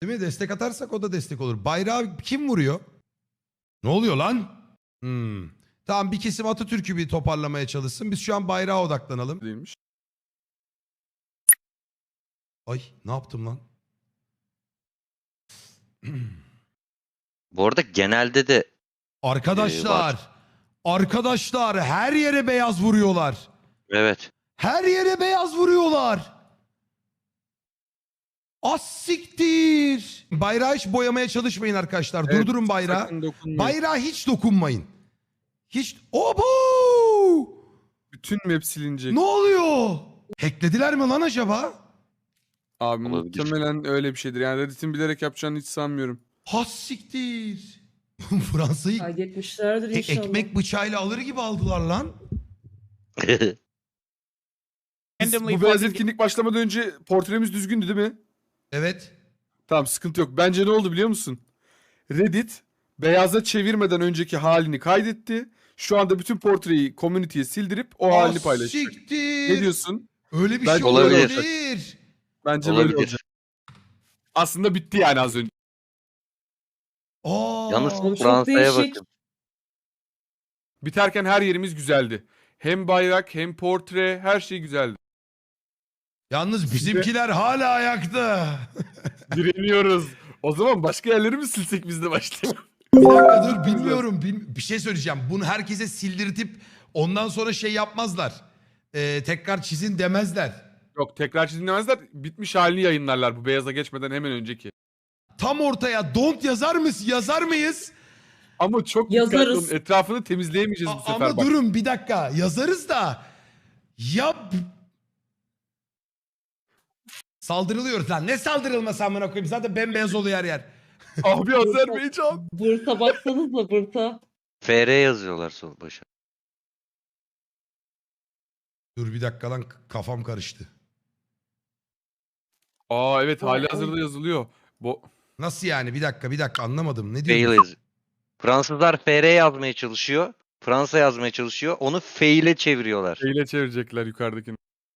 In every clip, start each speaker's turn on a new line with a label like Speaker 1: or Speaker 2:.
Speaker 1: Değil mi? Destek atarsak o da destek olur. Bayrağı kim vuruyor? Ne oluyor lan? Tamam, bir kesim Atatürk'ü bir toparlamaya çalışsın. Biz şu an bayrağa odaklanalım.
Speaker 2: Değilmiş.
Speaker 1: Ay, ne yaptım lan?
Speaker 3: Bu arada genelde de
Speaker 1: Arkadaşlar. Arkadaşlar her yere beyaz vuruyorlar.
Speaker 3: evet.
Speaker 1: Her yere beyaz vuruyorlar. Az siktir. Bayrağı hiç boyamaya çalışmayın arkadaşlar.
Speaker 2: Evet,
Speaker 1: Durdurun bayrağı.
Speaker 2: sakın dokunmayın.
Speaker 1: Bayrağa hiç dokunmayın. Hiç... Obo!
Speaker 2: Bütün map silinecek.
Speaker 1: Ne oluyor? Hacklediler mi lan acaba?
Speaker 2: Abi
Speaker 3: Olabilir.
Speaker 2: muhtemelen öyle bir şeydir. Yani Reddit'in bilerek yapacağını hiç sanmıyorum.
Speaker 1: Has siktir. Fransa'yı
Speaker 4: Kaydetmişlerdir inşallah.
Speaker 1: ekmek bıçağıyla alır gibi aldılar lan.
Speaker 2: Bu beyaz etkinlik başlamadan önce portremiz düzgündü değil mi?
Speaker 1: Evet.
Speaker 2: Tamam, sıkıntı yok. Bence ne oldu biliyor musun? Reddit beyaza çevirmeden önceki halini kaydetti. Şu anda bütün portreyi community'ye sildirip o halini paylaşacak.
Speaker 1: Siktir.
Speaker 2: Ne diyorsun?
Speaker 1: Öyle bir
Speaker 2: Bence
Speaker 1: şey
Speaker 3: olabilir.
Speaker 1: olabilir.
Speaker 2: Bence böyle
Speaker 3: Olabilir.
Speaker 2: olacak. Aslında bitti yani az önce.
Speaker 1: Aa,
Speaker 3: Yalnız
Speaker 4: Çok
Speaker 3: Fransa'ya
Speaker 4: değişik.
Speaker 3: bakın.
Speaker 2: Biterken her yerimiz güzeldi. Hem bayrak hem portre her şey güzeldi.
Speaker 1: yalnız bizimkiler hala ayakta.
Speaker 2: Direniyoruz. O zaman başka yerleri mi silsek biz de başlayalım?
Speaker 1: Bir dakika dur, bilmiyorum. Bir şey söyleyeceğim. Bunu herkese sildirtip ondan sonra şey yapmazlar. Tekrar çizin demezler.
Speaker 2: Yok, tekrar çizimlemezler. Bitmiş halini yayınlarlar bu beyaza geçmeden hemen önceki.
Speaker 1: Tam ortaya don't yazar mıyız?
Speaker 2: Ama çok
Speaker 4: Yazarız.
Speaker 2: dikkatli olun. Etrafını temizleyemeyeceğiz bu sefer.
Speaker 1: Ama
Speaker 2: bak.
Speaker 1: durun bir dakika. Yazarız da. Ya saldırılıyoruz lan. Ne saldırılması amına koyayım? Zaten bembeyaz oluyor her yer.
Speaker 2: Abi Azerbaycan.
Speaker 4: Bursa baksanıza Bursa.
Speaker 3: FR yazıyorlar sol başa.
Speaker 1: Dur bir dakika lan, kafam karıştı.
Speaker 2: Aa evet, hali
Speaker 4: Ay,
Speaker 2: hazırda yazılıyor.
Speaker 1: Nasıl yani? Bir dakika anlamadım. Ne
Speaker 3: Fail
Speaker 1: diyorsun?
Speaker 3: yazıyor. Fransızlar FR yazmaya çalışıyor. Fransa yazmaya çalışıyor. Onu fail'e çeviriyorlar.
Speaker 2: Şeyle çevirecekler yukarıdakini.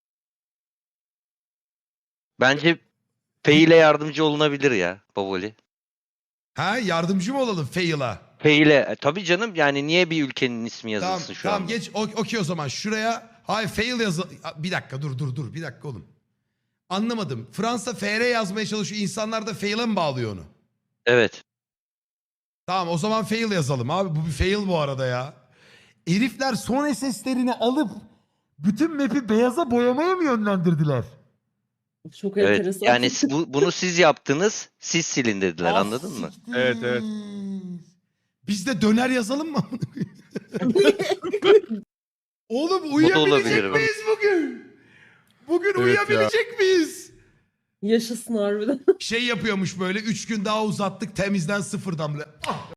Speaker 3: Bence fail'e yardımcı olunabilir ya Bavoli.
Speaker 1: Ha, yardımcı mı olalım fail'a?
Speaker 3: Fail'e. Tabii canım, yani niye bir ülkenin ismi
Speaker 1: Tamam
Speaker 3: yazılsın şu
Speaker 1: tamam
Speaker 3: anda?
Speaker 1: geç. Okey o zaman şuraya. Hayır fail yazı. Bir dakika dur. Bir dakika oğlum. Anlamadım. Fransa FR yazmaya çalışıyor. İnsanlar da fail'e mi bağlıyor onu?
Speaker 3: Evet.
Speaker 1: Tamam o zaman fail yazalım abi. Bu bir fail bu arada ya. Herifler son SS'lerini alıp bütün map'i beyaza boyamaya mı yönlendirdiler?
Speaker 4: Çok
Speaker 3: Evet.
Speaker 4: enteresan.
Speaker 3: Yani bunu siz yaptınız. Siz silin dediler. Anladın mı?
Speaker 1: siktir.
Speaker 2: Evet.
Speaker 1: Biz de döner yazalım mı? Oğlum
Speaker 3: olabilir
Speaker 1: uyuyabilecek
Speaker 3: bak.
Speaker 1: miyiz bugün? Bugün
Speaker 2: Evet
Speaker 1: uyuyabilecek miyiz?
Speaker 4: Yaşasın harbiden.
Speaker 1: Şey yapıyormuş böyle 3 gün daha uzattık temizden sıfırdan bile. Ah!